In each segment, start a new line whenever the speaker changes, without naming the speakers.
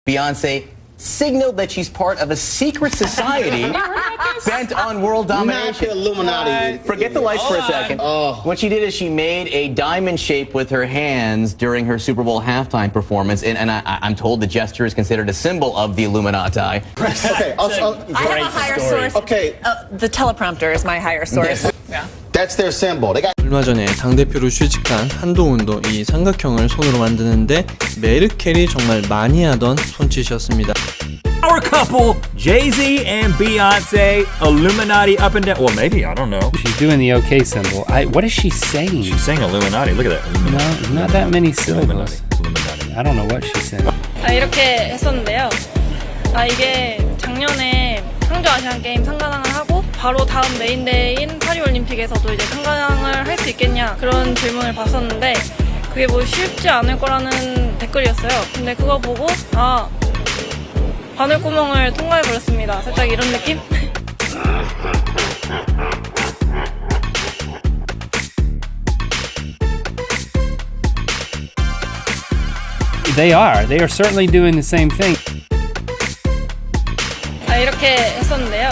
Beyonce signaled that she's part of a secret society bent on world domination.
Not the Illuminati.
Forget the lights for a second. What she did is she made a diamond shape with her hands during her Super Bowl halftime performance, and I'm told the gesture is considered a symbol of the Illuminati.
Okay,
I have a higher source.
Okay.
The teleprompter is my higher source. Yeah.
That's their symbol. They got
얼마 전에 당대표로 취직한 한동훈도 이 삼각형을 손으로 만드는데 메르켈이 정말 많이 하던 손짓이었습니다.
Our couple, Jay-Z and Beyonce, Illuminati up and down. Well, maybe, I don't know.
She's doing the OK symbol. What is she saying?
She's saying Illuminati. Look at that. Illuminati.
No, not that many syllables.
Illuminati.
I don't know what she's saying.
이렇게 했었는데요. 이게 작년에 항저 아시안 게임 상관왕을 하고 바로 다음 메인데이인 파리올림픽에서도 이제 상관왕을 할 수 있겠냐 그런 질문을 받았는데 그게 뭐 쉽지 않을 거라는 댓글이었어요. 근데 그거 보고 바늘구멍을 통과해버렸습니다. 살짝 이런 느낌?
They are certainly doing the same thing.
이렇게 했었는데요.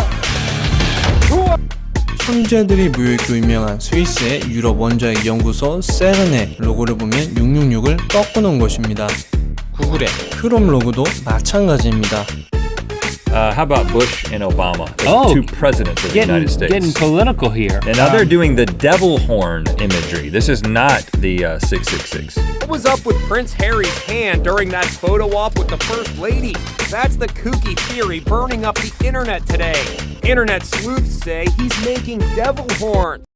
천재들이 무효익도 유명한 스위스의 유럽 원자핵 연구소 세른의 로고를 보면 666을 꺾어놓은 것입니다. 구글의 크롬 로고도 마찬가지입니다.
How about Bush and Obama, the
Oh,
two presidents of the United States?
Getting political here.
And now they're doing the devil horn imagery. This is not the 666.
What was up with Prince Harry's hand during that photo op with the First Lady? That's the kooky theory burning up the internet today. Internet sleuths say he's making devil horns.